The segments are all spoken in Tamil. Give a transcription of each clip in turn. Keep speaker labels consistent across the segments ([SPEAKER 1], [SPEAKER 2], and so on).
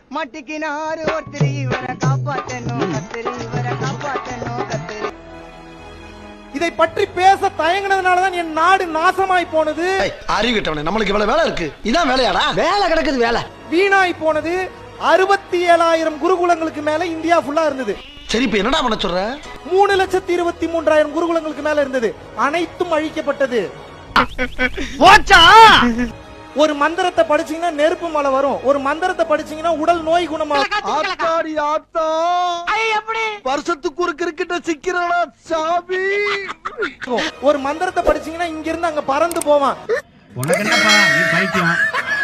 [SPEAKER 1] மட்டிக்கினாரு ஒருத்தர் இவரை காப்பாத்தணும் கத்திரி இவரை காப்பாத்தணும் கத்திரி.
[SPEAKER 2] இதை பற்றி பேச தயங்கினதுனாலதான் என் நாடு நாசமாய் போனது.
[SPEAKER 3] அறிவிட்டவனே, நம்மளுக்கு இவ்வளவு வேலை இருக்கு. இதான் வேலையாடா? வேலை கிடக்குது வேலை.
[SPEAKER 2] வீணாய் போனது. 67,000 குருகுலங்களுக்கு மேல இந்தியா ஃபுல்லா இருந்தது.
[SPEAKER 3] சரி, இப்ப என்னடா பண்ண சொல்ற?
[SPEAKER 2] 3,23,000 குருகுலங்களுக்கு மேல இருந்தது. அனைத்தும் அழிக்கப்பட்டது. ஒரு மந்திரத்தை படிச்சீங்கன்னா நெருப்பு மலை வரும். ஒரு மந்திரத்தை படிச்சீங்கன்னா உடல் நோய் குணமாகும்.
[SPEAKER 3] ஆத்தாடி ஆத்தா, வருஷத்துக்கு ஒரு கிரிக்கெட்ட சிக்கிறடா சாமி.
[SPEAKER 2] ஒரு மந்திரத்தை படிச்சீங்கன்னா இங்க இருந்து அங்க பறந்து போவான்.
[SPEAKER 4] உனக்கு என்னப்பா, நீ பைத்தியம்.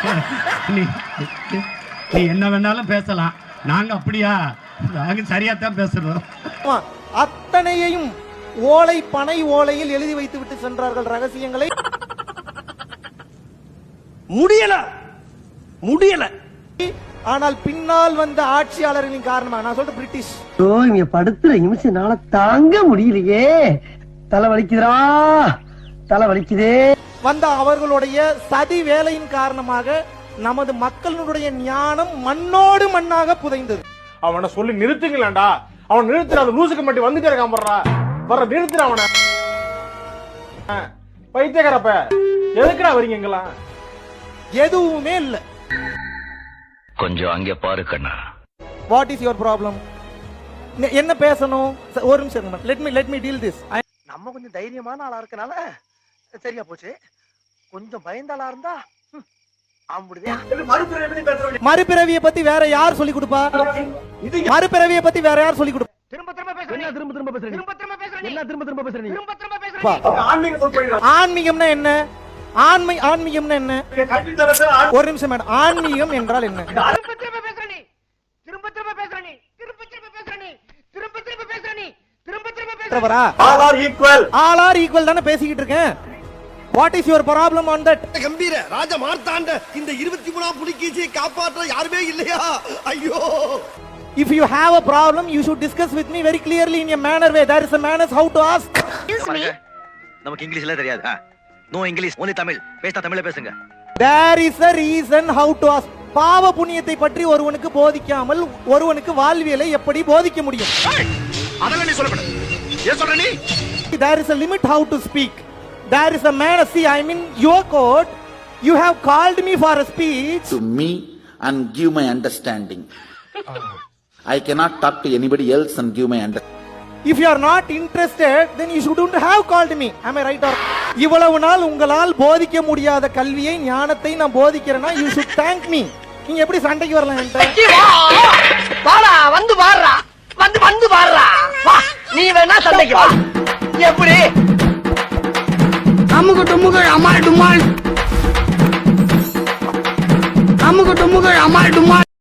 [SPEAKER 4] நீ என்ன வேணாலும் பேசலாம், நாங்க அப்படியா? நாங்க சரியாத்தான் பேசுறோம்.
[SPEAKER 2] அத்தனையையும் ஓலை பனை ஓலையில் எழுதி வைத்து விட்டு சென்றார்கள் ரகசியங்களை. முடியல. ஆனால் பின்னால் வந்த ஆட்சியாளர்களின் காரணமாக, நான் சொல்ற பிரிட்டிஷ்,
[SPEAKER 5] இங்க படுத்துற நிமிஷம்னால தாங்க முடியலையே, தலை வலிக்குதுடா, தலை வலிக்குதே,
[SPEAKER 2] வந்த அவர்களுடைய சதி வேலையின் காரணமாக நமது மக்களுடைய ஞானம் மண்ணோடு மண்ணாக புதைந்தது.
[SPEAKER 6] அவனை சொல்லி நிறுத்துங்களேன்டா. அவன் நிறுத்துற, அந்த லூசுக்கு மட்டும் வந்துட்டே இருக்கான் போடுறா. வர நிறுத்துற அவனை. பைத்தியக்காரப்ப எதுக்குடா வரீங்க எங்கெல்லாம்?
[SPEAKER 2] எதுவுமே இல்ல.
[SPEAKER 7] கொஞ்சம் அங்க பாரு கண்ணா.
[SPEAKER 2] What is your problem? என்ன பேசணும்? ஒரு நிமிஷம், லெட் மீ டீல் திஸ்.
[SPEAKER 3] நம்ம கொஞ்சம் தைரியமான ஆளா இருக்கனால சரியா போச்சு. கொஞ்சம் பயந்தாளா இருந்தா
[SPEAKER 2] மறுபிறவியை பத்தி வேற யார் சொல்லி கொடுப்பா? மறுபிறவியை பத்தி வேற யார் சொல்லி கொடுப்பா? ஆன்மீகம்னா என்ன? ஆன்மீகம்னா என்ன? ஒரு நிமிஷம் மேடம், ஆன்மீகம் என்றால் என்ன? ஆல் ஆர் ஈக்குவல் தானே பேசிக்கிட்டு இருக்கேன். What is your problem on that?
[SPEAKER 3] கம்பீர ராஜ மார்த்தாண்ட இந்த 23ஆம் புலிகேசியை காப்பாற்ற யாருமே இல்லையா? ஐயோ!
[SPEAKER 2] If you have a problem, you should discuss with me very clearly in a manner way. There is a manners how to ask.
[SPEAKER 7] நமக்கு இங்கிலீஷ்ல தெரியாது. No English, only Tamil. பேசா தமிழ்ல பேசுங்க.
[SPEAKER 2] There is a reason how to ask. பாவ புண்ணியத்தை பற்றி ஒருவனுக்கு போதிக்காமல் ஒருவனுக்கு வாழ்வியலை எப்படி போதிக்க முடியும்?
[SPEAKER 7] அதெல்லாம் நீ சொல்லக்கூடாது. ஏன் சொல்ற நீ?
[SPEAKER 2] There is a limit how to speak. There is a man, see, I'm in your court. You have called me for a speech.
[SPEAKER 8] To me and give my understanding. I cannot talk to anybody else and give my understanding.
[SPEAKER 2] If you are not interested, then you shouldn't have called me. Am I right or? இவ்வளவு நாள் உங்களால் போதிக்க முடியாத கல்வியை, ஞானத்தை நான் போதிக்கிறேன்னா you should thank me. நீங்க எப்படி சண்டைக்கு வரலாம் என்கிட்ட?
[SPEAKER 5] வாடா, வந்து பாருடா, வந்து பாருடா, வா, நீ வேணா சண்டைக்கு வா. எப்படி? அமுகு டுமுகள் அமால் டுமால், அமுகு டுமுகள் அமால் டுமால்.